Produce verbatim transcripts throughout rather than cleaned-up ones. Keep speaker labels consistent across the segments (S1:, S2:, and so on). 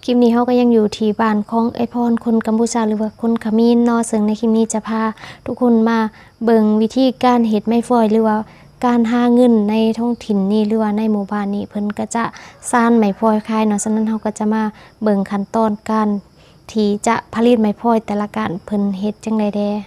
S1: คลิปนี้เขาก็ยังอยู่ที่บ้านของไอพรคนกัมพูชาหรือว่าคนขมิ้นเนาะซึ่งในคลิปนี้จะพาทุกคนมาเบิ่งวิธีการเฮ็ดไม้ฟอยหรือว่าการหาเงินในท้องถิ่นนี้หรือว่าในหมู่บ้านนี้เพิ่นก็จะสร้างไม้ฟอยขายเนาะฉะนั้นเขาก็จะมาเบิ่งขั้นตอนการที่จะผลิตไม้ฟอยแต่ละการเพิ่นเฮ็ดจังได๋แด่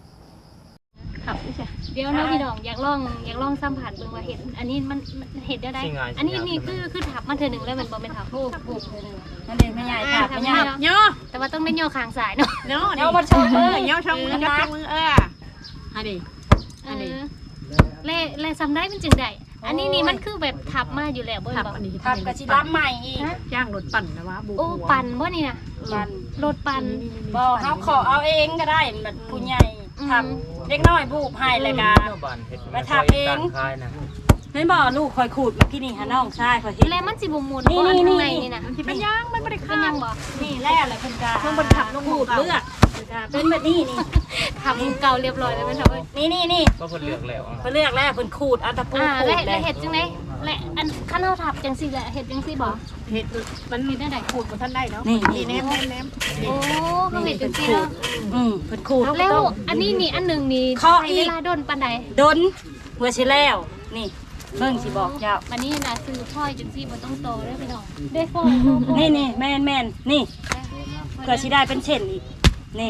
S2: เดี๋ยวนะพี่น้องอยากลองอยากลองสัมผัสเบิ่งว่าเห็ดอันนี้มันเห็ดได้ได้อันนี้นี่คือคือถับมาเธอหนึ่งแล้วมันบ่เป็นถับโอ้โหเธอหนึ่งนั่นเองไม่ใหญ่ถับไม่ใหญ่เนาะแต่ว่าต้องได้ย่อคางสายเนาะ
S3: เนาะเนาะมาชมเออย่อช่องมือย่อช่องมือเอออันนี้อันนี้
S2: เล่เล่ซ้ำได้เป็นจึงได้อันนี้นี่มันคือแบบถับมาอยู่แล้วบ่บ่
S3: ถับกระชิรับใหม่อีกย่างรถปั่นนะวะบุก
S2: โอ้ปั่นบ่นี่นะ
S3: ปั่น
S2: รถปั่น
S3: บ่เขาขอเอาเองก็ได้แบบผู้ใหญ่ทำเล็กน้อยบูบให้เลยกะมาทำเองเห็นบ่ลูกคอยขูดที่นี่ฮะน้องใช่คอยที่
S2: แล้วมันสิบ่มุน
S3: นี่นี่นี่
S2: นี่นะ
S3: ที่เป็นย่างมันไม่ได้ข้าว
S2: บ่
S3: นี่แร่เลยคุณกาเพิ่งบนขับลูกขูดเลือกเป็นแบบนี้นี่
S2: ทำเก่าเรียบร้อยแล้วมันทำ
S3: นี่นี่นี่
S4: ก็เพิ่นเลือกแล้ว
S3: เพิ่นเลือกแล้วเพิ่นขูดอัตปูขูด
S2: แล้วเห็ดจังได๋และอันข้าวเราทับจังซี่แหละเห็ดจังซี่บ่
S3: เห็ดมัน
S2: เห็ดได้
S3: ขูดบ่ทันได้เนาะนี่แนมแนม
S2: โอ้เขาเห็ดจังซี่เนาะ
S3: อืมเพิ่นขูด
S2: แล้วอันนี้นี่อันนึงนี่ใช้เวลาดนปานใด
S3: ดนเมื่อสิแล้วนี่เบิ่งสิบอกเจ้า
S2: อันนี้น่ะซื้อพลอยจังซี่บ่ต้องโตเด้อพี่น้องได้ฟอย
S3: นี่นี่แม่นๆนี่เพื่อสิได้เป็นเส้นอีกนี่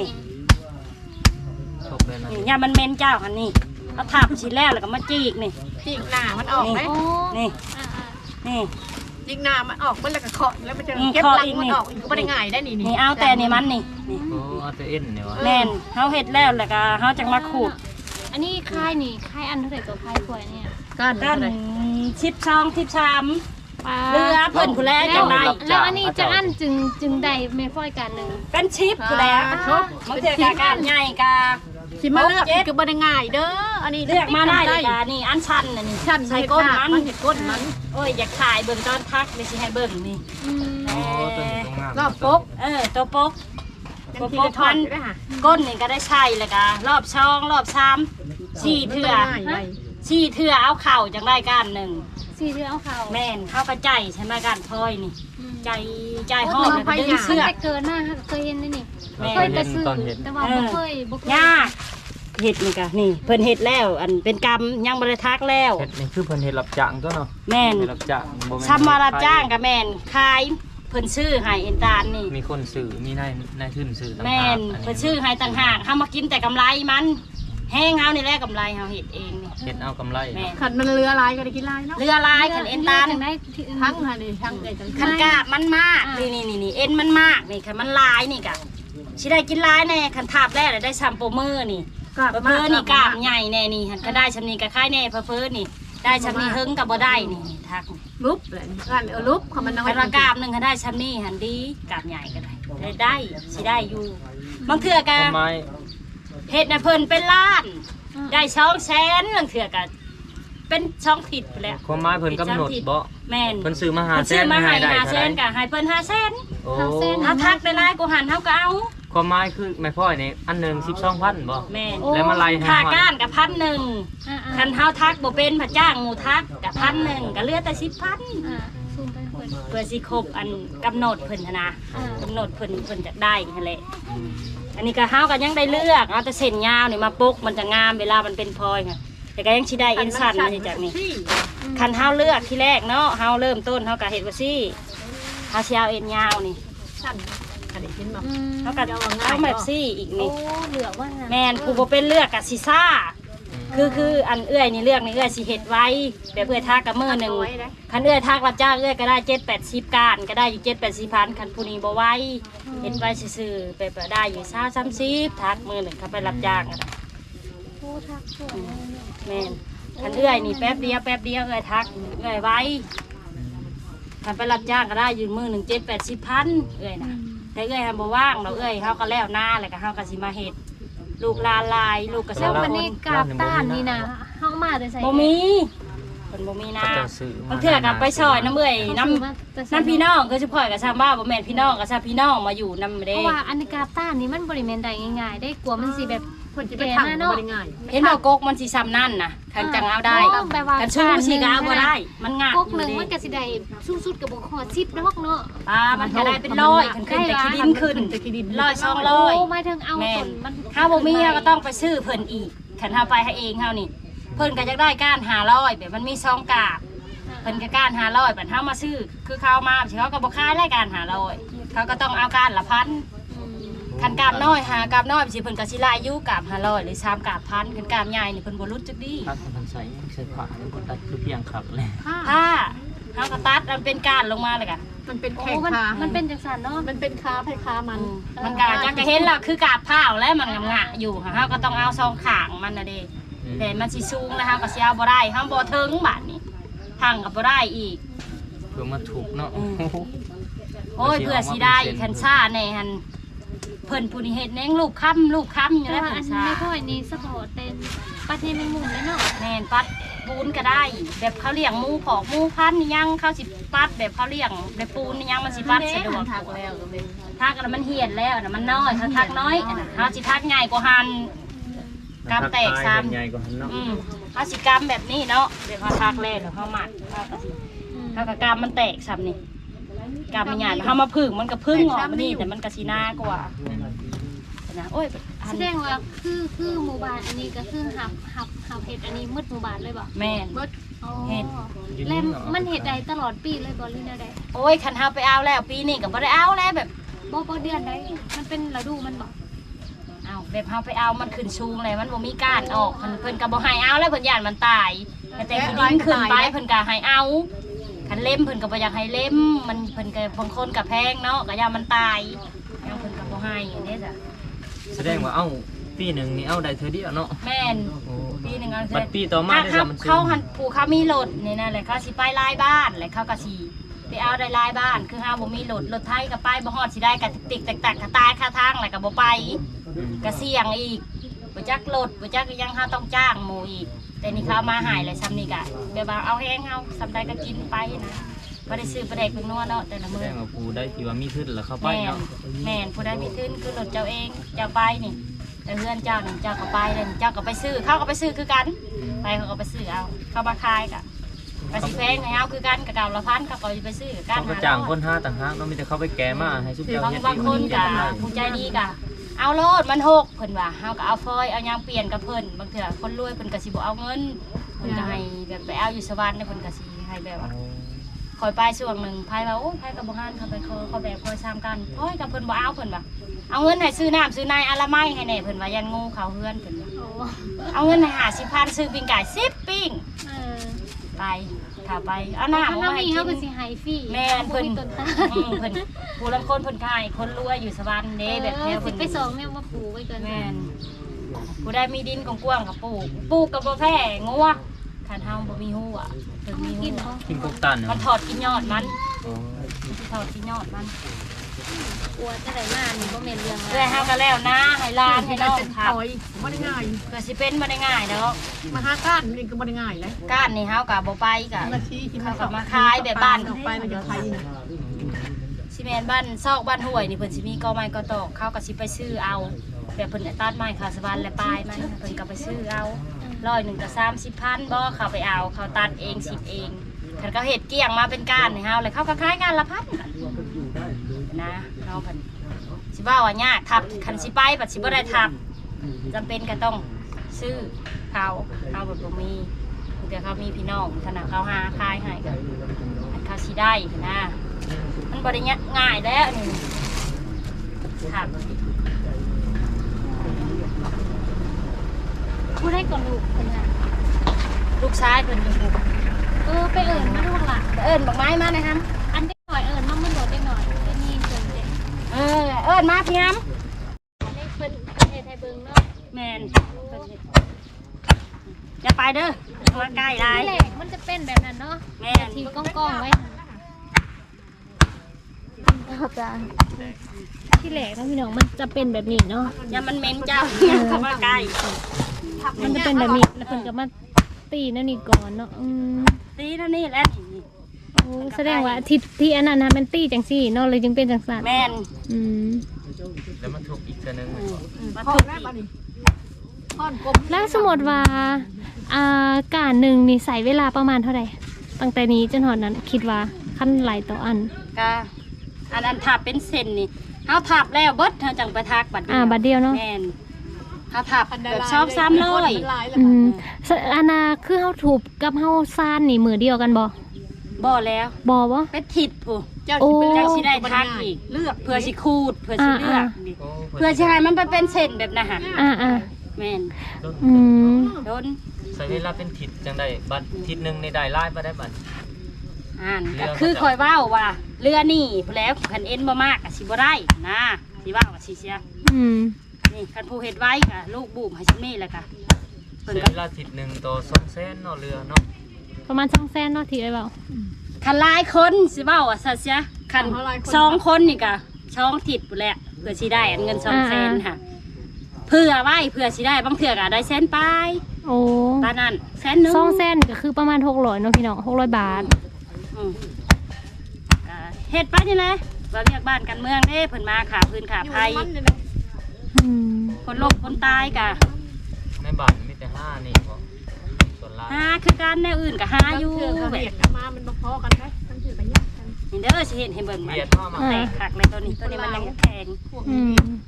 S3: นี่ยามันเม้นเจ้าคันนี้เอาทับชิ้นแล้วแล้วก็มาจีกนี่
S5: จีกหน้ามันออกไหม
S3: นี่นี่
S5: จีกหน้ามันออกมันแล้วก็เคาะแล้วมันจะเก็บลังมันออกอีกก็ไม่ได้ง่ายได้นี่
S3: นี่เอาแต่นี่มันนี่นี่
S4: โอ้เอาแต่เอ็นเนี่ยวะ
S3: แม่นเฮาเฮ็ดแล้วแล้วก็เฮาจังมาขูด
S2: อันนี้คายนี่คายอันเท่าไหร่ตัวคายถ้วยเนี่ย
S5: ก้าน
S3: ก้านชิบช่องชิบชามเรือเพิ่นผู้แลจังได๋
S2: แล้วอันนี้จะอันจึงจึงได้แม่ฟ้อยกันนึง
S3: เป็นชิปผู้แลมันเจอการใหญ่กะ
S5: สิมาเลือกก็บ่ได้ง่ายเด้ออันนี้
S3: เลือกมาได้กะนี่อันชันน่ะนี่
S5: ชัน
S3: ใส่ก้นมัน
S5: เฮ็ดก้นมัน
S3: โอ้ยอยากถ่ายเบิ่งตอนทักเลยสิให้เบิ่งนี่
S5: รอบปก
S3: เออตัวปกตัวปกมันก้นนี่ก็ได้ใช่แล้วกะรอบช่องรอบชามสี่เทื่อสี่เทื่อเอาเข่าจังได้ก้านหนึ่ง
S2: สี่เทื่อเอาเข่า
S3: แม่นเข้ากระใจใช่ไหมก้านพลอยนี่ใจใจหอบแล้วดึงเชือก
S2: เกินหน้าเคยเห็นนี่เคยไปซื้อแต่ว่าบ่เคยบ่เคย
S3: ยากเห็ดนี่กะนี่เพิ่นเห็ดแล้วอันเป็นกรรมยังบริทักแล้ว
S4: เฮ็ดนี่คือเพิ่นเฮ็ดรับจ้างตัวเนาะ
S3: แม่น
S4: รับจ้างบ่แม่น
S3: ทำมารับจ้างกับแม่นขายเพิ่นซื้อให้เอ็นตาลนี่
S4: มีคนซื้อมีนายนายทุนซื้อต่างหาก
S3: แม่นเพิ่นซื้อให้ต่างหากเฮามากินแต่กำไรมันแห้งเฮานี่แหละกำไรเฮาเฮ็ดเองนี่
S4: เฮ็ดเอากำไร
S5: ขันมันเรือลายก็ได้กินลายเนาะ
S3: เรือลายขันเอ็นตาล
S2: ได้
S5: ทั้งค่ะนี่ทั้งไอ้จัง
S3: ขันกาบมันมากนี่นี่นี่เอ็นมันมากนี่ขันมันลายนี่กะสิได้กินลายแน่ขันทาบแรกได้ซัมโปมือนี่เพอนี่กล้ามใหญ่แน่นี่ก็ได้ชำนีก็ค่ายแน่เพอนี่ได้ชำนีเฮิงกับบ่ได้นี่ทัก
S5: ลุบเลยกันเออลุบเขามันน้อย
S3: กระกามหนึ่งก็ได้ชำนีหันดีกล้ามใหญ่ก็ได้ได้ได้สิได้อยู่บางเถื่อกันเห็ดนะเพิ่นเป็นล้านได้ช่องแสนบางเถื่อกันเป็นช่องผิดไปแล้ว
S4: ความหมายเพิ่นกำหนดบ่
S3: แม่น
S4: เพิ่นซื้อมาหาแสน
S3: มาให้หาแสนกับให้เพิ่นห้าแสนถ้าทักได้หลายกูหันเท่าก็เอา
S4: ความหมายคือแม่พ่อยนี่อันหนึ่งสิบสองพันบ่
S3: แม่
S4: แล้วมาไล่
S3: ค่าก้านกับพันหนึ่งคันเท้าทักบ่เป็นผัดจ้างหมูทักกับพันหนึ่งก็เหลือแต่สิบพันเพื่อสิครบอันกำหนดเพิ่นนะกำหนดเพิ่นเพิ่นจะได้นั่นแหละอันนี้ก็เฮาก็ยังได้เลือกเอาแต่เส้นยาวนี่มาปุกมันจะงามเวลามันเป็นพลอยค่ะแต่ก็ยังสิได้เอ็นสั้นมาจากนี้คันเฮาเลือกที่แรกเนาะเฮาเริ่มต้นเฮาก็เฮ็ดว่าซี่เฮาสิเอาเอ็นยาวนี่เขาก็เอาแบบซี่อีกนี่แมนผู้บ่เป็นเลือกกับซีซ่าคือคืออันเอื้อยนี่เลือกนี่เอื้อยสิเห็ดไว้แบบเอื้อยทักกับมือหนึ่งคันเอื้อยทักรับจ้างเอื้อยก็ได้เจ็ดแปดสิบการก็ได้อยู่เจ็ดแปดสิบพันคันผู้นี้บ่ไว้เห็ดไว้ซื่อๆไปได้อยู่ซ่าซ้ำซีทักมือหนึ่งเขาไปรับจ้างกันแมนคันเอื้อยนี่แป๊บเดียวแป๊บเดียวเอื้อยทักเอื้อยไว้คันไปรับจ้างก็ได้อยู่มือหนึ่งเจ็ดแปดสิบพันเอื้อยนะแต่เอ้ยทำบ่ว่างเราเอ้ยเขาก็แล้วหน้าเลยก็เขาก็สิมาเห็ดลูกลาลายลูกกระเซ้า
S2: วันนี้กาบต้านนี่นะเขามาแต่ใส่
S3: บ่มีพิ่นบ่มีนา
S4: เขาจะซื้อมา
S3: บางเทื่อก็ไปซอยน้ำเอื้อยน้ำน้ำพี่น้องคือสิพ่อยกับชาวบ้านบ่แม่นพี่น้องกับชาวพี่น้องมาอยู่นำ
S2: เพ
S3: เด้
S2: ราะว่าอันกาต้านนี่มันบริเวณใดง่ายๆได้กลัวมันสิแบบ
S5: คนจะไปทำบ่ได้ง่าย
S3: เห็นบ่กกมันสิซ้ำนั่นน่ะคันจังเอาได้
S2: อ๋อแปลว่า
S3: คันชูสิก็เอาบ่ได้มันงาด
S2: กก
S3: อ
S2: ห
S3: ยู่
S2: นึ่ง
S3: เด้
S2: มันก็สิได้สูงสุดกับบ่ฮอดสิบดอกเนาะ
S3: อ่ามันก็ได้เป็นร้อยขึ้นขึ้นแต่ขี้ดินขึ้น
S5: แต่ขี้ดิน
S3: ร้อยสองร้อย
S2: โอ้หมายถึงเอา
S3: แม่
S2: คน
S3: น
S2: มัน
S3: ถ้าบ่มีก็ต้องไปซื้อเพิ่นอีกคันเฮาไปให้เองเฮานี่เพิ่นก็จะได้ก้านห้าร้อยแบบมันมีซองกาบเพิ่นก็ก้านห้าร้อยบัดเฮามาซื้อคือเขามาสิเขาก็บ่ขายได้ก้านห้าร้อยเขาก็ต้องเอาก้านละพันคันกาบน้อยหากาบน้อยสิเพิ่นก็สิลายอยู่กาบห้าร้อยหรือสามกาบพันคันกาบใหญ่นี่เพิ่นบ่รู้จักดี
S4: ตัดมันใส่ใส่ผ้าแล้วก็ตัดคือเพียงขับเลย
S3: ถ้าเฮาก็ตัดมันเป็นก้านลงมาเลยก็
S5: มันเป็น
S2: โอ้
S5: แข่ง
S2: มัน
S5: ขา
S2: มันเป็นจังซั่นเนาะ
S5: มันเป็นขาไผขามัน
S3: มันก็จังก็เห็นแล้วคือกาบผ้าวแล้วมันงะๆอยู่เฮาก็ต้องเอาซองข้างมันน่ะเด้แต่มันสิสูงแล้วเฮาก็สิเอาบ่ได้เฮาบ่ถึงบาดนี้ทางก็บ่ได้อีก
S4: เพื่อมาถูกเนาะ
S3: โอ้ยเพื่อสิได้คันซ่าแน่หันเพิ่นผู้นี้เฮ็ดแหนงลูกค้ำลูกค้ำอยู่
S2: แต่
S3: แล้ว
S2: ว่า
S3: เพิ่
S2: อั
S3: น
S2: น
S3: ซ่า
S2: ไม่ค่อยนี่สปอร์ตเป็นประเทศแมงมุมเลยเนาะ
S3: แม่นปัดปูนก็ได้ แบบเขาเลี้ยงหมูขอกหมูพันธุ์นี่ยังเขาสิปัดแบบเขาเลี้ยงแบบปูนนี่ยังมันสิปัดสะดวก
S5: ทักแล้วก็เป็น
S3: ทักแล้วมันเหียนแล้วน่ะมันน้อยเขาทักน้อยอันน่ะเขาสิทักใหญ่กว่าหันกำแตกซ้ำ
S4: ใหญ่กว่าหันเนาะ
S3: อืมเขาสิกำแบบนี้เนาะเดี๋ยวเขาทักแล้วเดี๋ยวเขาหมัดเขาก็สิเขาก็กำมันแตกซ้ำนี่กำมันใหญ่เขามาพึ่งมันก็พึ่งออกมานี่แต่มันก็สิหน้ากว่านะโอ้ยอั
S2: แส
S3: น
S2: ดงว่าคือคือหมู่บ้านอันนี้ก็คือหับหับหับเห็ดอันนี้มืดหมู่บ้านเลยบ่
S3: แม่น
S2: อ๋อ
S3: เห็ด
S2: แล้วมันเห็ดใดตลอดปีเลยบ่หรือแนวใด
S3: โอ้ยคันเฮาไปเอาแล้วปีนี้ก็บ่ได้เอาแล้วแบบ
S2: บ่บ่เดือนใดมันเป็นฤดูมันบ่
S3: เอาแบบเฮาไปเอามันขึ้นชูงเลยมันบ่มีก้านออกเพิ่นเพิ่นก็บ่ให้เอาแล้วเพิ่นย่านมันตายแต่แต่ที่ดินขึ้นไปเพิ่นก็ให้เอาคันเล่มเพิ่นก็บ่อยากให้เล่มมันเพิ่นก็บางคนก็แพงเนาะก็ย่านมันตายแล้วเพิ่นก็บ่ให้อันนี้จ้ะ
S4: แสดงว่าเอ้าปีหนึ่งนี่เอาได้เธอเดียวเนาะ
S3: แม่น
S4: โอ้
S3: ปีหนึงเอา
S4: บัดปีต่อมาได้
S3: ถ้
S4: ซ้ำมันซื้อ
S3: เขาหันผู้เขามีรถนี่นั่นแหละเขาสิไปลายบ้านแล้วเขาก็สิไปเอาได้ลายบ้านคือเฮาบ่มีรถรถไทยก็ไปบ่ฮอดสิได้ก็ติ๊กๆตักๆก็ตายคาทางแล้วก็บ่ไป ก็เสี่ยงอีกบ่จักรถบ่จักยังเฮาต้องจ้างหมู่อีก แต่นี่เขามาหายเลยซ้ำนี่ก็แบบว่าเอาแห้งเฮาซ้ำใดก็กินไปนะบ่ได้ซื้อประเดกเป็นนัวเนาะแต่ละ
S4: แส
S3: มื้
S4: ด
S3: อง
S4: ว่าผู้ได้ที่ว่ามีทุนแล้วเข้าไป
S3: แม่น
S4: เนาะ
S3: แม่นผู้ใดมีทุนคือรถเจ้าเองเจ้าไปนี่แต่เพื่อนเจ้านี่เจ้าก็ไปเลยเจ้าก็ไปซื้อเขาก็ไปซื้อคือกันไปเขาก็ไปซื้อเอาเขามาขายก็ก็สิแพงให้เฮาคือกันกับเก่าละพันเขาก็ไปซื้อกัน
S4: เขาก็จ้างคนห้าต่างหากเนาะมีแต่เขาไปแก่มาให้ซุปเจ้า
S3: บาง
S4: เฮ็ด
S3: บางคน
S4: ที่
S3: ก็
S4: มั
S3: ผู้ใจดีก็เอาโลดมันหกเพิ่นว่าเฮาก็เอาฟอยเอายางเปลี่ยนกับเพิ่นบางเทื่อคนรวยเพิ่นก็สิบ่เอาเงินเพิ่นก็ให้แบบไปเอาอยู่สวรรค์เนี่ยเพิ่นก็สิให้แบบว่าคอยไปช่วงหนึงไผว่าโอ้ยไผก็บ่ฮั่นเขาไปขอเขาแบบคอยซ้ำกันโอ้ยกับเพิ่นบ่เอาเพิ่นว่าเอาเงินให้ซื้อน้ำซื้อนายอละไม้ให้แน่เพิ่นว่ายันงูเขาเฮือนเพิ่นว่า
S2: โอ้
S3: เอาเงินให้ห้าสิบพันซื้อปิ้งไก่สิบปิ้ง
S2: เออ
S3: ไปถ้าไปเอา
S2: ถ้า
S3: น้ำ
S2: เรา
S3: มาให้
S2: มี
S3: กิ
S2: เฮาก็
S3: น
S2: สิให้ฟรี
S3: แม่นเพิ่น
S2: บ่มีต้นตาล
S3: อืมเพิ่นผู้ลังคนเพิ่นขายคนรวยอยู่สวรรค์เด้แบบแถว
S2: เออสิ
S3: เพิ่น
S2: ไปส่งแม่มาปลูกไว้ก่อน
S3: แม่นผู้ได้มีดินกว้างๆกับปลูกปลูกกับบ่แพ้งัวคันเฮาบ่มีฮู้อ่ะเพิ่นมี
S2: กิน
S3: ฮู้
S2: บ่
S4: กินกบตันเนาะ
S3: มันถอดกินยอดมัน
S4: อ๋อ
S3: ถอดกินยอดมัน
S2: กลัวจะได้มานี่บ่แม่นเรื่อง
S3: เพื่อเฮาก็แล้วนะให้หลานให้น้อง
S5: เป็น
S3: ครับ
S5: ถอยบ่ได้ง่าย
S3: เพื่อสิเป็นบ่ได้ง่ายดอก
S5: มาหาก้านนี่ก็บ่ได้ง่ายเลย
S3: ก้านนี่เฮาก็บ่ไปก็
S5: นาทีที่
S3: เขาก็มาขายแบบบ้าน
S5: ออกไปมันจะไทย
S3: สิแม่นบ้านซอกบ้านห้วยนี่เพิ่นสิมีกอไม้กอตอกเขาก็สิไปซื้อเอาแบบเพิ่นตัดไม้ขาสวรรค์และปลายมันเพิ่นก็ไปซื้อเอาร้อยหนึ่งก็สามสิบพันบ่เขาไปเอาเขาตัดเองสิบเองคันเขาเฮ็ดเกลี้ยงมาเป็นก้านให้เฮาเลยเขาก็ขายก้านละพันนะน้องเพิ่นสิว่าว่ายากทับคันสิไปบัดสิบ่ได้ทับจำเป็นก็ต้องซื้อเขาเขาแบบบ่มีแต่เขามีพี่น้องขนาดเขาหาขายให้ก็เขาสิได้นะมันบ่ได้ง่ายแล้วนี่ครับ
S2: ผู้ได้ก่อนลูกเพิ่นน่ะ
S3: ลูกชายเพิ่นเป็นผู้
S2: เออไปเอิ้นมาลูกหล่ะ
S3: เอิ้นบักไม้มาหน่อยครับ
S2: อันเด็กหน่อยเอิ้นมามันโดดเด็กหน่อยได้นี่เพิ่นเด็ก
S3: เออเอิ้นมาพี่ฮัม
S2: อันนี้เพิ่นเฮ็ดให้เบิ่งเนาะ
S3: แม่นจะไปเด้อมาใกล้ได้
S2: ที่แรกมันจะเป็นแบบนั้นเนาะ
S3: แม่น
S2: ทีก้องๆไว้ที่แรกนะพี่น้องมันจะเป็นแบบนี้เนาะ
S3: อย่ามันเหม็นเจ้าเข้ามาใกล้
S2: มันจะเป็นแบบนี้แล้วเพิ่นก็มา
S1: ตีนั่นนี่ก่อนเนาะอืม
S3: ตีเท่านี้แหละนี่
S1: โอ้แสดงว่าทิศที่อันนั้นนะมันตีจังซี่เนาะเลยจึงเป็นจังซั่น
S3: แม่น
S1: อืม
S4: แล้วมันถูกอีกตัวหนึงเลยบ่
S3: มา
S5: พ่อ
S3: ทุก
S5: แม่
S3: อี
S5: บ้าน
S3: ก
S5: นี่พ่อนกลม
S1: แล้วสมมติว่าอ่าการหนึ่งนี่ใส่เวลาประมาณเท่าไหร่ตั้งแต่นี้จนหอดนั้นคิดว่าขั้นไหลต่ออัน
S3: ก็อันอันทับเป็นเส้นนี่เฮาทับแล้วเบิดเฮาจังไปทักบัดเดียว
S1: อ่าบัดเดียวเนาะ
S3: แม่นเฮาทับแบบชอบซ้ำเลย
S1: อืมสอันน่ะคือเฮาถูกกับเฮาซานนี่มือเดียวกันบ่
S3: บ่แล้ว
S1: บ่บ่
S3: เป็นทิศผู้
S5: เจ้าสิเป็น
S3: เจ้า
S5: เจ้า
S3: สิ
S5: สิ
S3: ได้
S5: ได้
S3: ทั
S5: ทั
S3: ก
S5: ก
S3: อี
S5: อี
S3: ก
S5: กเลือก
S3: เพื่อสิคูดเพื่อสิเลือก
S1: อ่า
S3: นี่
S4: โอ้
S3: เพื่อสิให้มันไปเป็นเส้นแบบนั้นฮะ
S1: อ่าอ่า
S3: แม่น
S1: อืม
S3: โดน
S4: ใส่เวลาเป็นทิศจังได้บัดทิศหนึงในได้หลายบ่ได้บัด
S3: อ่าน
S4: เรือ
S3: ก็มัน
S4: จะ
S3: คือคอยเว้าว่าเรือนี่พู้นแล้วคันเอ็นบ่มากก็สิบ่ได้นะสิว่าว่าสิเสีย
S1: อืม
S3: นี่คันผู้เฮ็ดไว้ก็ลูกบูมให้ซินี่แหละค่ะเพิ่น
S4: ใช้
S3: ก็
S4: เวลาทิศหนึงต่อสองแสนเนาะเรือเนาะ
S1: ประมาณสองแสนเนาะที่ได้เว้า
S3: คันหลายคนสิเว้าว่าซะเสียคันสองคนนี่ก็ช่องทิศพู้นแหละเพื่อสิได้อันเงินสองแสนค่ะเพื่อไว้เพื่อสิได้บางเทื่อก็ได้แสนปลาย
S1: โอ้
S3: ตอนนั้นแสนหนึง
S1: สองแสนก็คือประมาณหกร้อยเนาะพี่น้องหกร้อยบาท
S3: อืมก็เฮ็ดไปนี่แหละว่าเรียกบ้านกันเมืองเด้เพิ่นมาขาพื้นขา
S5: อยู่
S3: ภัย
S5: มันนี่นะ
S1: อืม
S3: คนลบคนตายกะ
S4: ในบ้านมีแต่ห้านี่บ่ส่วนหลาย
S3: หาคือการแนวอื่นก็หาอยู่
S5: เถื่อนเขา
S3: แบ
S5: เบีย
S3: บ
S5: ดกันมามันบ่พอกันได้ทั้งถือกันยากกัน
S3: นี่เด้อสิเห็นให้เบิ่งมัน
S4: เบียดเข้ามา
S3: แตกคักเลยตัวนี้ตัวนี้มันยังแข็ง
S5: พวก
S1: อื
S5: นี้
S1: ม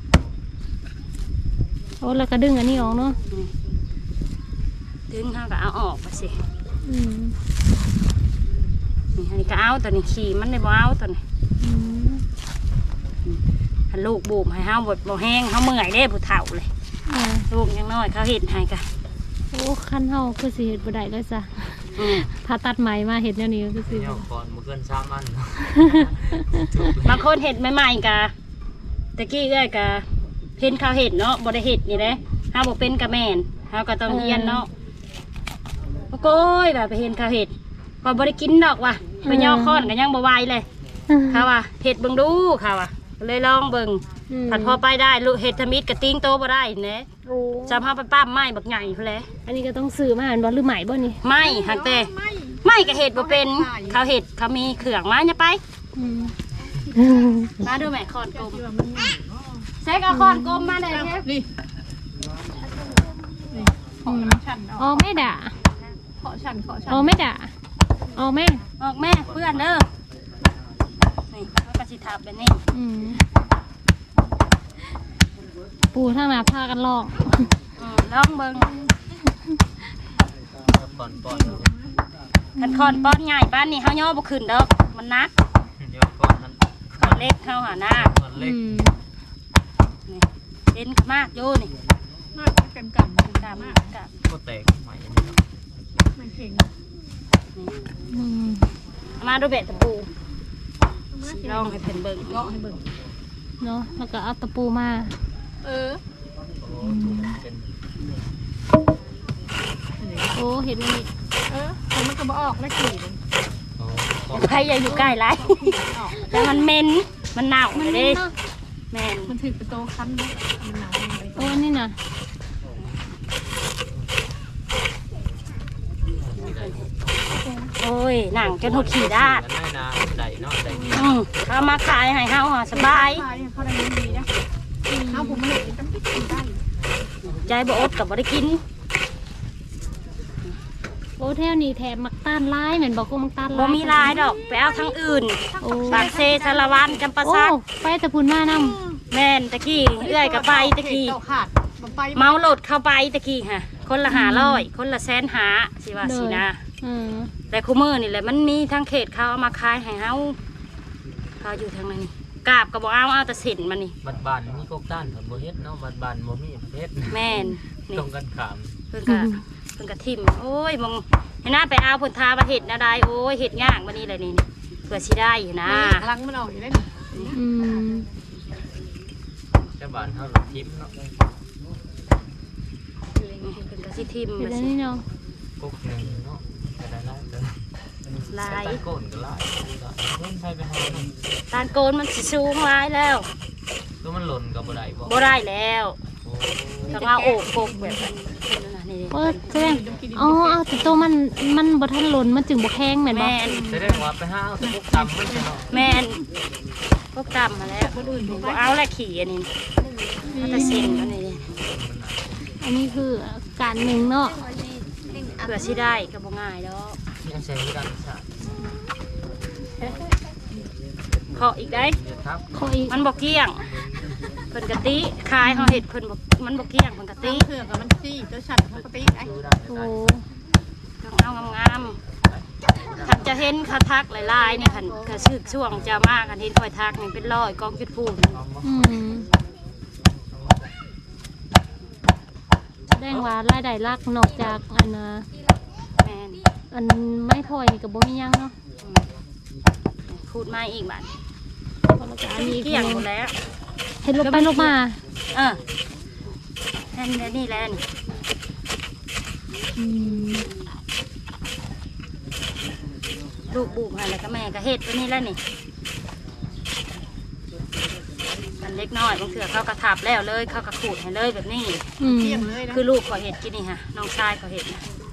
S1: โอ้แล้วก็ดึงอันนี้ออกเนาะ
S3: ดึงเฮาก็เอาออกไปสิ
S1: อืม
S3: นี่อันนี้ก็เอาตัวนี้ขี่มันได้บ่เอาตัวนี้
S1: อืม
S3: ถ้าลูกบูมให้เฮาบ่บ่แห้งเฮาเมื่อยเด้ผู้เฒ่าเลย
S1: อ่า
S3: ลูกยังน้อยเขาเฮ็ดให้กะ
S1: โอ้คันเฮาคือสิเฮ็ดบ่ได้เลยจ้ะ
S3: อืม
S1: ถ้าตัดไหมมาเฮ็ดแนวนี้ก็คือสิ
S4: เนี่ยก่อนบ่เกินสามอันเนาะ
S3: บางคนเฮ็ดใหม่ๆกะตะกี้เอ้อยกะเพิ่นเขาเฮ็ดเนาะบ่ได้เฮ็ดนี่เด้เฮาบ่เป็นกะแม่นเฮาก็ต้องเรียนเนาะโอ้โกยแบบไปเห็นเขาเฮ็ดก็บ่ได้กินดอกว่ะไปย่อค้อนก็ยังบ่ไหวเลย เขาว่าเห็ดเบิ่งดูเขาว่าเลยลองเบิ่ง
S1: อืม
S3: ผัดพอไปได้ลูกเห็ดทมิดกระติ้งโตบ่ได้เน่
S1: โอ้
S3: จำเฮาไปปั้มไม้บักใหญ่พุ่นแหละ
S1: อันนี้ก็ต้องซื้อมาอันบ่หรือไหมบ่นี่
S3: ไม้หักแต่
S5: ไม่
S3: ไม้ก็เห็ดบ่เป็นเขาเห็ดเขามีเครื่องมาอย่าไป
S1: อืม
S3: มาดูแม่คอนกลม
S5: ที่ว่ามันง่าย
S3: ใส่กับคอนกลมมาได้เด้
S5: นี่นี่ขอฉัน
S1: อ๋อไม่ด่า
S5: ขอฉันขอฉัน
S1: อ๋อไม่ด่าอ๋อแม่
S3: ออกแม่เพื่อนเด้อนี่เขาก็สิทับแบบนี้
S1: อืมปูทางหน้าพากันลอก
S3: อืมลองเบิ่ง
S4: ก่อนป้อน
S3: คันคอนป้อนใหญ่บ้านนี้เฮาย่อบ่ขึ้นดอกมันหนัก
S4: เดี๋ยวก่อนนั้น
S3: คอนเล็กเฮาหาหน้า
S4: ก่อนเล็
S1: อื
S4: ก
S1: ม
S3: นี่เด่นมากอยู่นี่
S5: มากเต็มกัน
S3: กามากกาม
S4: ก็แตกใหม่อันนี้เนาะ
S5: ไม่เก่ง
S1: อืม
S3: เอามาดูเบ็ดตะปูลองให้เพิ่นเบิ่ง
S5: เลาะให้เบิ่ง
S1: เนาะแล้วก็เอาตะปูมา
S5: เออ
S4: โอ้ถูกเป็น
S1: โอ้เห็นอันนี้
S5: เออแต่มันก็บ่ออกแล้วขี่มัน
S4: โอ้ก่อน
S3: ใครอย่าอยู่ใกล้ไร
S5: ออก
S3: แต่มันเหม็นมันเน่า
S1: มัน
S3: เลย
S1: นี่
S3: เด้
S1: เนาะ
S3: แม่น
S5: มันถือเป็นโตคันนะมันหนาวมัน
S1: โอ้นี่น่ะ
S3: โอ้ยหนังจนหุดขี่ด้าด
S4: ได้นาได้เนาะได้ดี
S3: อืมเขามาขายให้เฮาอ่ะสบาย
S5: ใช่เขาได้เงินดีนะเอาผมมาเห็นจำเป็นกินได้
S3: ใจบ่อดกับบ่ได้กิน
S1: โอ้แถวนี้แถบมักต้านร้ายเหมือนบอกกูมักต้านร้าย
S3: บ่มีลายดอกไปเอาทั้งอื่น
S1: โอ้
S3: ปากเซสารวันจำปา
S1: โอ้
S3: ซัก
S1: ไปแตะพุนมานำ
S3: แม่นตะกี้เอื้อยกับไปตะกี้
S5: เต่าขาดมันไป
S3: เมาโหลดเข้าไปตะกี้ค่ะคนละหาร้อยคนละแสนหาสิว่าสินะ
S1: อืม
S3: แต่คูมือนี่แหละมันมีทั้งเขตเขาเอามาขายให้เฮาเขาอยู่ทางนั้นนี่กาบก็บอกเอาเอาแต่สินมันนี่
S4: บัดบานมีกกต้านผัดบ่เฮ็ดเนาะบัดบานบ่มีเฮ็ด
S3: แม่นนี่
S4: ตรงกันข้าม
S3: เพิ่นก็เพิ่นก็ทิมโอ้ยมองให้น้าไปเอาผลทาประเห็ดนะได้โอ้ยเห็ดย่างวันนี้เลยนี่เพื่อสิได้นะ
S5: ลังมันออกอยู่ได้
S1: อืม
S4: แต่บ้านเฮาก็ทิมเนาะ
S3: เพิ่นก็สิทิม
S1: เห็น
S3: มา
S1: แล้ว
S3: สิ
S1: นี่เนาะ
S4: กกหนึงเนาะก็ได้หลายเด้อ
S3: ลาย
S4: ใส่ก้นก็หลายเพิ่นใส่ไปหาเนาะ
S3: ตาลโกนมันสิสูงหลายแล้ว
S4: คือมันหล่นก็บ่ได้บ่
S3: บ่ได้แล้ว
S4: โอ้
S3: ต้องเอาโอบกกแบบนั้น
S5: แ
S3: นี่
S1: เออแสดงอ๋อเอาแต่ตัวมันมันบ่ทันหล่นมันจึงบ่แข็งแม่นบ่
S3: แม่น
S4: แสดงว่าไปหาเอาแต่พวกตำมันใช่เนาะ
S3: แม่นพวกตำมาแล้วคนอื่นบ่เอาละขี่อันนี้เอาแต่เส้นอันนี้
S1: อันนี้คือการหนึ่งเนาะ
S3: เผื่อสิได้ก็บ่ง่ายดอก
S4: ยังใช้ที่การศึกษา
S3: เคาะอีกได้
S4: เดี๋ยวครับ
S1: ขออีก
S3: มันบ่เกี้ยงเพิ่นกะติคายเฮาเฮ็ดเพิ่นบ่มันบ่เกี้ยงเพิ่นกะติ
S5: เถื่อกับมันซี่ตัวฉันปกติไอ้
S4: ดูได้
S1: โอ้
S3: ต้องเอางามๆถ้าจะเห็นคาทักหลายๆนี่คันก็สึกช่วงจะมาคันเห็นคอยทักนี่เป็นร้อยกองจุดพูน
S1: อืมแสดงว่ารายได้หลักนอกจากอันน่ะ
S3: แม่น
S1: อันไม้พลอยนี่ก็บ่มีหยังเนาะ
S3: พูดมาอีกบัด
S1: แล้วก็อันนี้
S3: เกี้ยงหมดแล้ว
S1: เฮ็ดลบไปลบมา
S3: เออแค่นี้นี่แหละนี่
S1: อืม
S3: ลูกบุกให้แล้วก็แม่ก็เฮ็ดตัวนี้แล้วนี่มันเล็กน้อยบางเถื่อเขากระทับแล้วเลยเขากระขูดให้เลยแบบนี้
S1: อืม
S5: เที่ยงเลยนะ
S3: คือลูกขอเห็ดกินนี่ค่ะน้องชายขอเห็ดนะ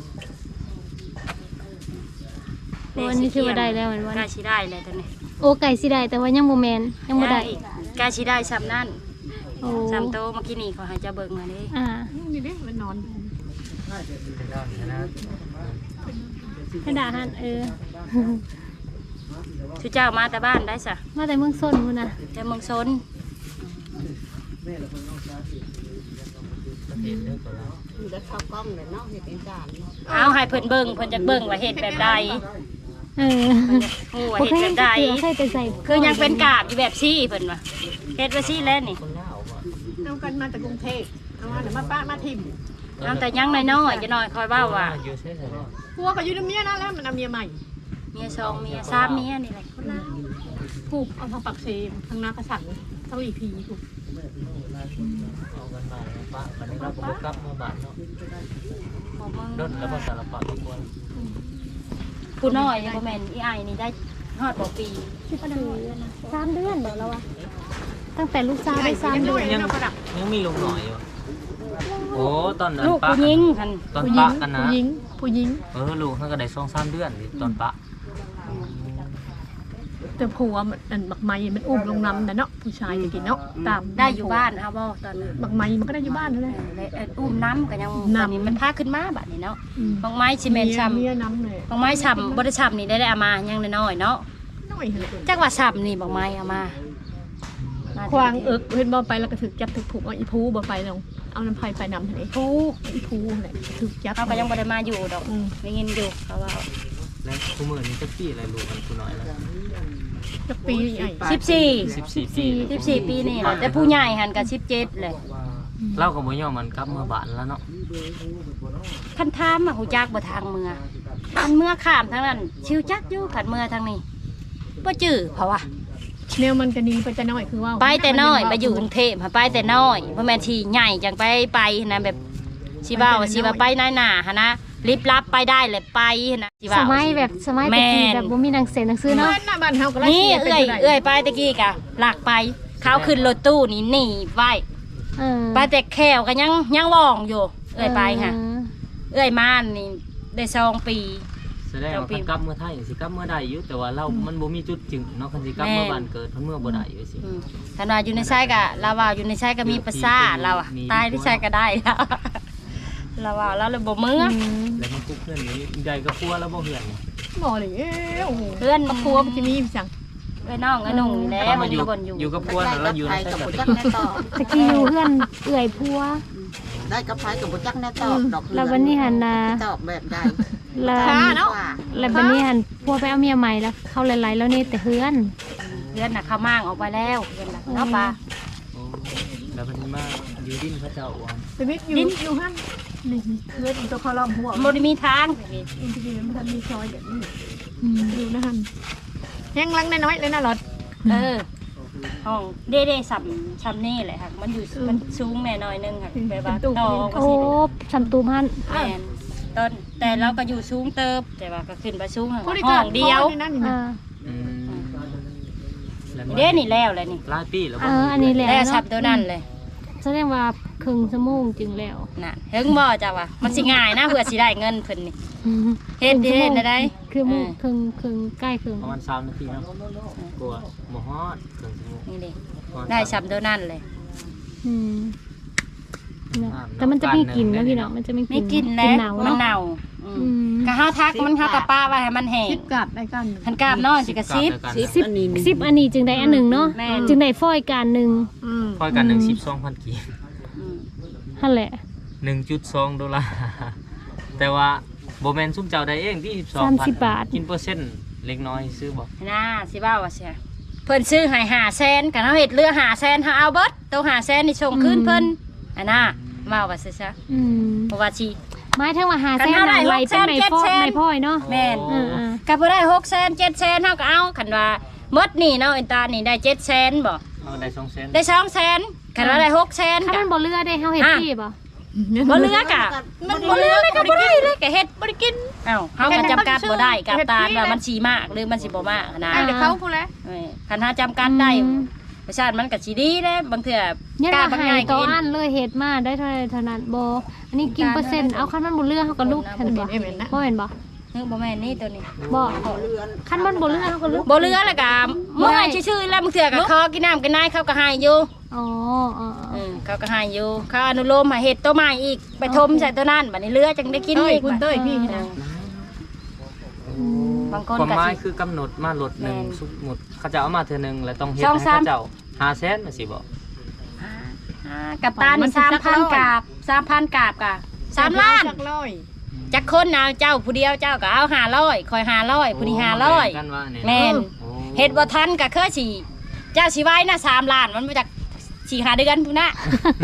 S1: โอ้อันนี้ถือว่าได้แล้วแม่นบ่
S3: ใกล้ชิได้เลยตอนนี้
S1: โอ้ไก่สิได้แต่ว่ายังบ่แม่นยังบ่ได้
S3: ใกล้ชิได้ซ้ำนั่น
S1: โอ้
S3: ซ้ำโตเมื่อกี้นี่ขอให้เจะเบิ่งมาดิ
S1: อ่า
S5: นี่ดิมันนอน
S4: นะ
S1: กระดาษหันเออ
S3: ชื่อเจ้ามาแต่บ้านได้สะ
S1: มาแต่เมืองส้นพุ่นน่ะ
S3: แต่เมืองซน
S5: อยู่แล้วเข้ากล้องเลยเนาะเห็นเป็นจาน
S3: เอาให้เพิ่นเบิ่งเพิ่นจะเบิ่งว่าเห็ดแบบใด
S1: เออ
S3: ฮู้ว่า
S1: บ่
S3: เห็ด
S1: เคย
S3: แบ
S1: เห็น
S3: บใด
S1: เสือเคยแต่ใส่
S3: คือยังเป็นกาบอยู่แบบซี่เพิ่นว่าเห็ดว่าซี่แล้วนี่
S5: เอากันมาจากกรุงเทพเอามาเดี๋ยวมาป้ามาทิม
S3: เอาแต่ยังน้อยๆจะน้อยคอยเว้าว่า
S4: อยู่ใช่ไหม
S5: พัวก็อยู่ในเมียนั่นแล้วมันเอาเมียใหม่
S3: เมียสองเมียสามเมียนี่แหละ
S5: ผูกเอาทางปักเซมทางนากระสังทางอีพีถูก
S4: เอากันมาปะวันนี้เราก็กลับมาบ้านเนาะ
S3: บ่มึง
S4: รถแล้วก็สารพัดทุกคน
S3: ผู้น้อยบ่แม่นอีอ้ายนี่ได้ฮอดบ่ปี
S1: สามเดือนบ่แล้ววะตั้งแต่ลูกสาวได้สามเดือน
S4: ยังยังมีลุงหน่อยอยู่โอ้ตอนนั้น
S3: ลูก
S4: ปะ
S3: ผู้หญิงหั่น
S4: ตอน
S5: ผู้หญิ
S4: ปะ
S5: ง
S4: กันนะ
S5: ผู้หญิงผู้หญิง
S4: เออลูกเขาก็ได้สองสามเดือนตอนปะ
S5: แต่ผัวมันบักไม้มันอุ้มลงน้ำนะเนาะผู้ชายจะกินเนาะตาม
S3: ได้อยู่บ้านเฮาบ่ตอนนั้น
S5: บักไม้มันก็ได้อยู่บ้านนั่นแหละ
S3: เลยเอ่ออุ้มน้ำก็ยัง
S5: น้ำ
S3: ตอนนี้มันพาขึ้นมาบัดนี้เนาะบางไม้สิแม่นช้ำ
S5: เมียน้ำเลย
S3: บางไม้ช้ำบ่ได้ช้ำนี่ได้ได้เอามายังน้อยๆเนาะ
S5: น้อยเลย
S3: จักว่าช้ำนี่บางไม้เอามามา
S5: ควางเอิกเห็นบ่ไปแล้วก็ถึกจับถึกผูกเอาอีพูบ่ไปลงเอาน้ำไผ่ไปนำทะเล
S3: ผู้
S5: อีพูแหละถึกจับ
S3: เขาก็ยังบ่ได้มาอยู่ดอก
S5: อืม
S3: ได้ยินอยู่เขาว่า
S4: แล้วคู่มือนี้จะปีอะไรลูกกันคู่น้อยแล้ว
S5: จักปีใหญ่
S3: สิบสี่
S4: สิบสี่ปี
S3: สิบสี่ปีนี่แหละแต่ผู้ใหญ่หันก็สิบเจ็ดเลย
S4: เล่ากับบ่ยอมมันกลับเมื่อบานแล้วเนาะ
S3: คันถามมาหูจักบ่ทางเมืองอันเมื่อข้ามทางนั้นชิวจักอยู่ขันเมื่อทางนี้บ่จื้อเพราะว่า
S5: แนวมันก็หนีไปแต่น้อยคือว่า
S3: ไปแต่น้อยไปอยู่กรุงเทพหาไปแต่น้อยบ่แม่นที่ใหญ่จังไปไปนะแบบสิว่าว่าสิว่าไปนายหน้าหนนะรีบรับไปได้เลยไปนะสิ
S1: ส
S3: ว่า
S1: มัยแบบสมัยตะกี้แบบบ่มีหนังสือหนังสือเนาะ
S5: เนาะหน้าบ้านเฮาก็ไล่
S3: นี่
S5: สี
S3: เอื้อย
S5: ไป
S3: เอื้อยไปตะกี้กะหลักไปเขาขึ้นรถตู้นี่หนีไว้
S1: เออ
S3: ไปแต่แควก็ยังยังว่องอยู่เอื้อยไปค่ะ
S1: เออ
S3: เอื้อยมานี่ได้สองปี
S4: แสดงว่าคันกลับเมื่อไทยสิกลับเมื่อใดอยู่แต่ว่าเรามันบ่มีจุดจึงเนาะคันสิกลับเมื่อบ้านเกิดเพิ่นเมื่อบ่ได้อยู่สิ
S3: อืมถ้าว่าอยู่ในไส้กะเราว่าอยู่ในไส้ก็มีประสาทเราอะ
S4: มี
S3: ตายที่ไส้ก็ได้แล้วเราว่าเราเลยบ่มือ
S1: อืม
S4: แล้วมันกุ๊กเพื่อนนี้ใหญ่กับพัวแล้วบ่เหือนนี่
S5: บ่เลยเอ้ยโอ้โห
S3: เพื่อน
S5: ครัวมันจะมีจัง
S3: เอ้ยน้องเอ้ยนุ่งนี่แหละ
S4: เรา
S3: มั
S4: มาน อยู่
S3: บนอยู่
S4: อยู่กับพัวแล้วเราอยู่ในสถาน
S1: ตะกี้อยู่เพื่อนเอื่อยพัว
S6: ได้กับไฟกับบุจักแน่ตอบดอก
S1: แล้ววันนี้หันนะ
S6: ตอบแบบใด
S1: แล้ว
S5: ค้าเนาะ
S1: แล้ววันนี้หันพัวไปเอาเมียใหม่แล้วเข้าหลายๆแล้วนี่แต่เฮือน
S3: เพื่อนน่ะเขามั่งออกไปแล้วเพื่อนน่ะเนาะปลา
S4: โอ้แล้วมันมาอยู่ดินพระเจ้าอ่อน
S5: ชีวิตอยู่อยู่หั่นนี่เลือดตัวคอลอมหัว
S3: บ่ได้มีทาง
S5: อินทรีย์มันทันมีซอยแบบนี้
S1: อืม
S5: อยู่นะฮันยังลังน้อยๆเลยนะรถ
S3: เออห้องเด้เด้สับซัมนี่แหละค่ะมันอยู่มันสูงแน่หน่อยนึงค่ะแบบว่าต่อออกมา
S1: โอ้
S3: สิเลย
S1: สัมตูมัน
S3: แม่นต้นแต่เราก็อยู่สูงเติบแต่ว่าก็ขึ้นไปสูงห้
S5: ผู้ที่
S3: อ
S5: เกิด
S3: งเดียว
S5: นั่นนี่
S1: เอ
S5: นะ
S1: อ
S4: อืมแล้ว
S3: เด้นี่แล้วเลยนี่
S4: หลายปีแล้ว
S1: เอ
S4: บ่
S1: ออันนี้แหละ
S3: แล้วสั
S1: เนาะ
S3: บตัวนั้นเลย
S1: แสดงว่า
S2: ครึ่งชั่วโมงจึงแล้ว
S3: น่ะเฮิงบ่จ้ะว่ามันสิง่ายนะเพื่อสิได้เงินเพิ่นนี่เฮ็ดเฮ็ดได้
S2: คือโมงครึ่งครึ่งใกล้ครึ่ง
S4: ประมาณสามนาทีเนาะกลัวบ่ฮอดครึ่งชั่วโมง
S3: นี่ดิได้ซ้ำเท่านั้นเลย
S2: อืมนะแต่มันจะมีกลิ่นนะพี่น้องมันจะมีก
S3: ไม่
S2: ลิ่น
S3: กิน
S2: ก
S3: แล้
S2: ลิ่
S3: วน
S2: เน่า
S3: มัน
S2: เนาะ
S3: เน่า
S2: อื
S3: อืม
S2: ม
S3: ก็เฮาทักมันเฮากับป้าไว้ให้มันแห้ง
S5: คิดกลับได้กัน
S3: คันกราบน้อยสิกระซิบ
S6: สิบ
S2: สิบ
S6: อันนี้
S2: สิบอันนี้จึงได้อันหนึ่งเนาะ
S3: แม่น
S2: จึงได้ฟอยการหนึ่ง
S5: อืม
S4: ค่อยกันหนึ่งสิบสองพันกีบ
S3: อืม
S2: นั่นแหละ
S4: หนึ่งจุดสองดอลลาร์แต่ว่าโบแมนซุ่มเจ้าได้เองที่สิบสอง
S2: สาม
S4: พัน
S2: สิบบาท
S4: กินเปอร์เซ็นต์เล็กน้อยซื้อบอก
S3: น่าสิว่าว่าเสียเพิ่นซื้อให้ห้าแสนกันเฮาเฮ็ดเรือห้าแสนเฮาเอาเบิดตัวห้าแสนนี่ส่งคืนเพิ่นอันน่ะว่าว่าซะซะ
S2: อืม
S3: เพราะว่าสิ
S2: ไม้ทั้งว่าหา
S3: กัน
S2: แซ่
S3: เท่าไหร่
S2: ไหลเป็น
S3: หกแสน
S2: ไม้
S3: เจ็ด
S2: พ่อ
S3: แสน
S2: ไม้พ่อยเนาะ
S3: แม่น
S2: อ่า
S3: ก็บ่ได้หกแสนเจ็ดแสนเฮาก็เอาคันว่าหมดนี่เนาะอินตานี่ได้เจ็ดแสนบ่
S4: เอาได้สองเซน
S3: ได้สองแสนคันว่าได้หกแสน
S2: ถ้า
S3: ก็
S2: มันบ่เลือได้เฮาเฮ็ด
S3: อ่ะ
S2: ที่บ่
S3: บ่เหลือกะมันบ่เหลือเลยก็บ่ได้เลยก็เฮ็ดบ่ได้กินเอ้าเฮาก็จำกัดบ่ได้กับตาลว่ามันสิมากหรือมันสิบ่มากนะ
S5: ไอ้เดี๋ยวเขาพูดแล้ว
S3: เอ้ยคันหาจำกัดได้ประชาติมันก็สิดีเด้บางเทื่อ
S2: เนี่ย
S3: กล้า
S2: เรา
S3: บาง
S2: ให้
S3: ง่าย
S2: ต่อ
S3: กิน
S2: อันเลยเฮ็ดมาได้เท่าไหร่เท่านั้นบ่อันนี้กินเปอร์เซ็นต์เอาคันมันบ่เลือเฮาก็ลุกทันบ่บ่เห็นบ่
S3: เฮ้ยบ่แม่นนี่ตัวนี้
S2: บ่
S6: เรือน
S2: คันมันบ่เลือเฮาก็ลุก
S3: บ่เหลือแล้วก็เมื่อยชื่อๆแล้วบางเทื่อก็คอกินน้ำกินนายเขาก็ให้อยู่
S2: อ๋ออ๋อ
S3: เออเขาก็ให้อยู่เขาอนุโลมให้เฮ็ดตัวใหม่อีกไปทมใส่ตัวนั้นบัดนี้เหลือจังได้กิน
S5: เต้ย
S3: อีก
S5: คุณเต้ยพี่นะ
S3: บางคน
S4: ความ
S3: ก็
S4: หมาย
S3: สิ
S4: คือกำหนดมาลดหนึ่ง
S3: แม่น
S4: สมมุติเขาจะเอามาเธอหนึ่งแล้วต้องเฮ็ด
S3: สอง
S4: ให้
S3: สาม
S4: เขาเจ้าหาแสนมาสิบอก
S3: อ่ากับตานี่สามพันกาบสามพันกาบกะสามล้าน
S5: จักร้อย
S3: จักคนเอาเจ้าผู้เดียวเจ้าก็เอาห้าร้อยคอยห้าร้อยผู้นี้ห้าร้อย
S4: กันว่าเนี่ย
S3: แม่น
S4: โอ้
S3: เฮ็ดบ่ทันก็คือสิเจ้าสิไว้นะสามล้านมันมาจากสี่หาเดือนพุ่นน่ะ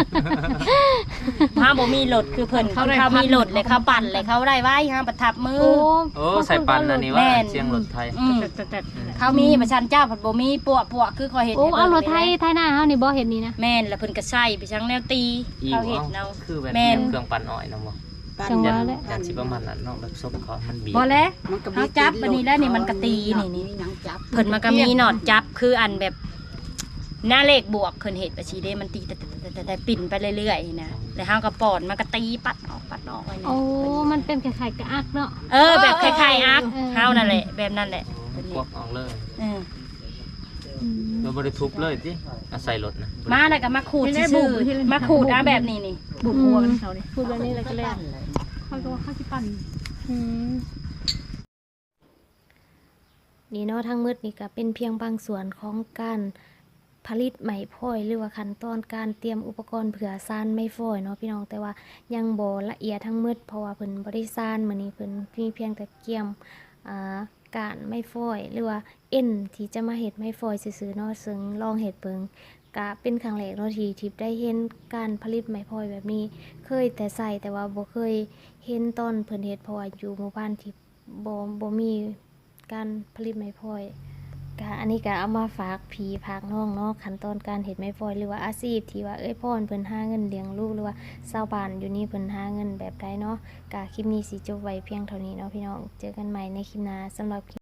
S3: ถ้าบ่มีรถคือเพิ่นเขาเขามีรถเลยเขาปั่นเลยเขาได้ไว้ห้ามประทับมือ
S2: โอ้
S4: โอ้ใส่ปันอันนี้ว่า
S3: แม่น
S4: เสียงรถไทย
S3: อืม
S5: แต่แต่
S3: เขามีประชันเจ้าผัดบ่มีปวปวคือคอยเฮ็ด
S2: โอ้
S3: ให้
S2: เอา
S3: บิ่ง
S2: รถไทยไทยหน้าเฮานี่บ่เฮ็ดนี่นะ
S3: แม่นแล้วเพิ่นก็ใส่ไปชังแนวตี
S4: อี
S3: เขา
S4: ก
S3: เฮ็ด
S4: เนาะ
S3: เนาะ
S4: คือแบบ
S3: แม่น
S4: เครื่องปั่นอ้อยเนาะบ่
S2: จังห
S4: ยั
S2: วะแล้ว
S4: ยันสิประมาณนั้นเนาะแบบซบเขามันบีบ
S3: บ่แล้ว
S6: มันก็
S3: เขาจับอันนี้แล้วนี่มันก็ตีนี่นี่
S6: มีหยังจับ
S3: เพิ่นมันก็มีหนอดจับคืออันแบบหน้าเลขบวกเพิ่นเฮ็ดไปสิเด้มันตีแต่แต่แต่แต่ปิ่นไปเรื่อยๆนะแล้วเฮาก็ป้อนมันก็ตีปัดออกปัดออกไว้นี่
S2: โอ้มันเป็นคล้ายๆกระอักเนาะ
S3: เออแบบคล้ายๆอัก
S2: เออ
S3: เฮานั่นแหละแบบนั้นแหละ
S4: กวกออกเลย
S3: เออ
S2: อืม
S4: เราบริทุบเลยสิอาศัยรถนะ
S3: มาแล้วก็มาขูดซื่อๆมาขูดเอาแบบนี้นี่
S5: บุกบัวกันเขาเนี่ย
S2: พูดแบบนี้แล้วก็แล้ว
S5: เขาก็ว่าเขาสิปั่น
S2: อืมนี่เนาะทั้งหมืดนี่ก็เป็นเพียงบางส่วนของการผลิตไหมพลอยหรือว่าขั้นตอนการเตรียมอุปกรณ์เผื่อซานไม้ฟอยเนาะพี่น้องแต่ว่ายังบ่ละเอียดทั้งหมืดเพราะว่าเพิ่นบ่ได้ซานมื้อนี้เพิ่นมีเพียงแต่เกี่ยมอ่าการไม้ฟอยหรือว่าเอ็นที่จะมาเฮ็ดไม้ฟอยซื่อๆเนาะซึ่งลองเฮ็ดเบิ่งก็เป็นครั้งแรกเนาะที่ทิพย์ได้เห็นการผลิตไม้พลอยแบบนี้เคยแต่ใส่แต่ว่าบ่เคยเห็นตอนเพิ่นเฮ็ดเพราะว่าอยู่หมู่บ้านที่บ่บ่มีการผลิตไม้พลอยก็อันนี้ก็เอามาฝากพี่ฝากน้องเนาะขั้นตอนการเฮ็ดไม้พลอยหรือว่าอาชีพที่ว่าเอ้ยพ่อเพิ่นหาเงินเลี้ยงลูกหรือว่าชาวบ้านอยู่นี่เพิ่นหาเงินแบบใดเนาะก็คลิปนี้สิจบไว้เพียงเท่านี้เนาะพี่น้องเจอกันใหม่ในคลิปหน้าสำหรับ